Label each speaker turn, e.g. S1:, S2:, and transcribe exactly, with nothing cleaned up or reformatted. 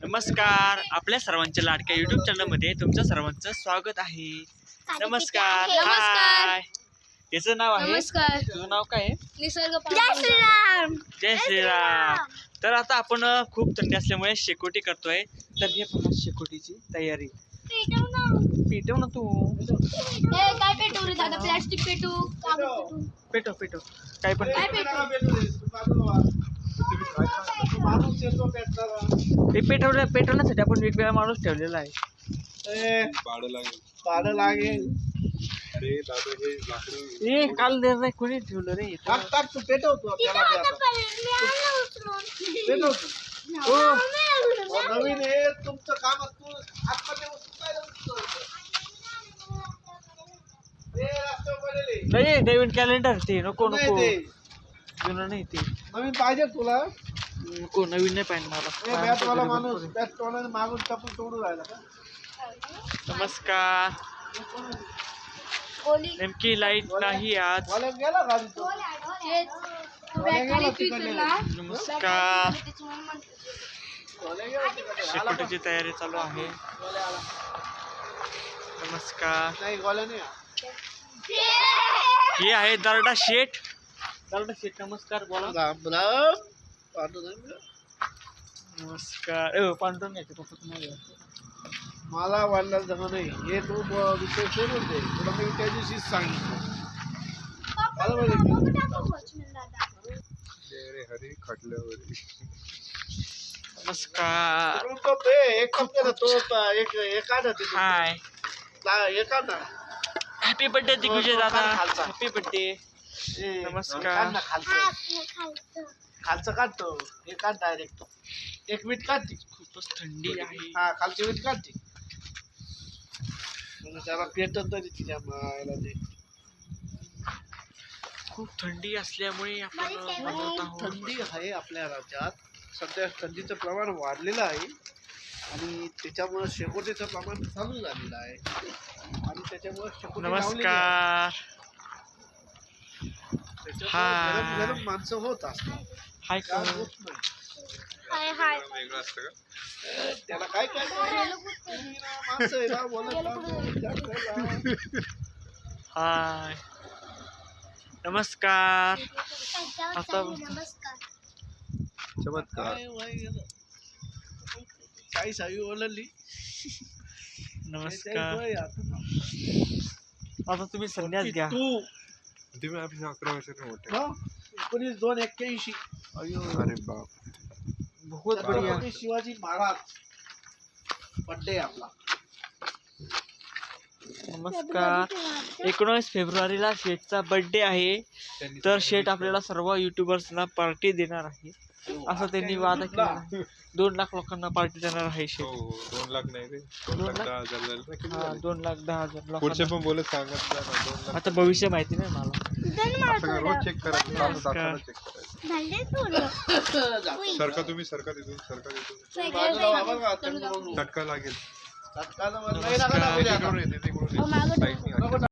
S1: नमस्कार, आपल्या सर्वांच्या लाडक्या युट्यूब चॅनल मध्ये तुमच्या सर्वांचं स्वागत आहे. नमस्कार. हाय, याचं नाव आहे,
S2: नमस्कार.
S1: तुझं नाव काय आहे?
S2: निसर्ग. जय श्रीराम.
S1: जय श्रीराम. तर आता आपण खूप थंडी असल्यामुळे शेकोटी करतोय. तर हे पहा शेकोटीची तयारी. पेटव ना तू.
S2: ए काय पेटू रे दादा? प्लास्टिक पेटू, कागद पेटू.
S1: पेटव पेटव काय पण
S2: काय पेटू?
S1: ते पेटवल्या पेटवण्यासाठी आपण वेगवेगळा माणूस ठेवलेला आहे.
S3: पाडं लागेल.
S1: अरे दादा हे लाकडं ए काल दे नाही कोणी ठेवलं रे.
S3: टाक टाक तू पेटवतो त्याला ते आता. पेटवतो. हो नवीन हे तुमचं काम तू आतमध्ये उचलाय ए रस्ता पडले
S1: नाही नवीन कॅलेंडर ते नको
S3: नाही
S1: नको
S3: ते
S1: जुनं नाही ते
S3: नवीन पाहिजे तुला.
S1: नको नवीन नाही पाहिजे
S3: हे
S1: मला.
S3: बॅटवाला माणूस बॅटवाला मागून टाकून तोडून राहिला का?
S1: नमस्कार.
S2: ओली
S1: नेमकी लाईट नाही आज.
S3: वाला गेला गाडी तो.
S2: तू बॅटरी फिरला.
S1: नमस्कार.
S3: वाला गेला तिकडे. आला
S1: शेकोटीची तयारी चालू आहे.
S3: वाला आला.
S1: नमस्कार.
S3: नाही वाला नाही.
S1: हे आहे दरडा शेठ. दरडा शेठ नमस्कार बोला.
S3: राम राम. पाडू नाही.
S1: नमस्कार. ए पांढरं नाही ते पप्पा नाही.
S3: मला वाढला जमा नाही हे तू ब- विषय सोडून दे. तुला मी त्या दिवशीच सांगितलं.
S4: हरी खटल्यावर
S1: नमस्कार.
S3: तू तो पे एक कप केला तो प- एक एक आठ होती.
S1: हाय.
S3: ला- एक आठ ना.
S1: हॅपी बर्थडे दिग्विजय दादा.
S3: खालचा.
S1: Happy birthday.
S3: ए,
S1: नमस्कार.
S3: काढ ना खालचं. खालचं काढतो हे काढ डायरेक्ट. एक वीट काढते.
S1: खूपच थंडी आहे.
S3: हा खालची वीट काढते. म्हणजे त्याला पेटत तरी तिच्या मायला ते.
S1: खूप थंडी असल्यामुळे आपण बनवत आहोत.
S3: थंडी आहे आपल्या राज्यात. सध्या थंडीचं प्रमाण वाढलेलं आहे आणि त्याच्यामुळे शेकोटीचं प्रमाण चालू झालेलं आहे आणि त्याच्यामुळे शेकोटी लावलेली आहे.
S1: नमस्कार.
S3: त्याच्यामुळे
S1: हाय.
S3: गरम गरम माणसं होत असतात.
S1: हाय
S3: गार
S1: कोण?
S3: होत नाही.
S2: हाय हाय.
S4: वेगळं असतं का?
S3: त्याला काय काय माणसं आहे ना बोलत राहतात.
S1: हाय. नमस्कार. आता
S4: चमत्कार.
S3: काय वय गेलं. काही सावी ओळखली.
S1: नमस्कार.
S3: वय आता.
S1: आता तुम्ही संन्यास घ्या.
S3: तू
S4: तुम्ही आपली अकरा वर्षाचे मोठे.
S3: हा? एकोणीस दोन एक्क्याऐंशी.
S4: अरे बाप.
S1: बहुत बढिया.
S3: छत्रपती शिवाजी महाराज बर्थडे आपला.
S1: नमस्कार. एकोणीस फेब्रुवारीला शेठचा बर्थडे आहे. तर शेठ आपल्याला सर्व युट्यूबर्सना पार्टी देणार आहे असं त्यांनी वादा केला आहे. दोन लाख लोकांना पार्टी देणार आहे
S4: हो
S1: शेठ.
S4: हो दोन लाख नाही रे दोन
S1: दोन
S4: लाख
S1: लाख?
S4: दहा हजार झाले ना. किती
S1: हा
S4: झाले?
S1: दोन लाख दहा हजार
S4: पुढचे
S1: लोकांना.
S4: पण बोलत सांगत जा ना. दोन लाख
S1: आता भविष्य माहिती नाही मला.
S4: असं का? रोज चेक करायचं. चालू तासाला चेक करायचं.
S3: जा.
S4: सरका तुम्ही सरका तिथून सरका तिथून
S3: बाजूला वावर का? त्यांना बोलू.
S4: चटका लागेल.
S3: चटका तर नाही लागला ना उद्या आता.
S4: तिकडून येते तिकडून येते. साईडने.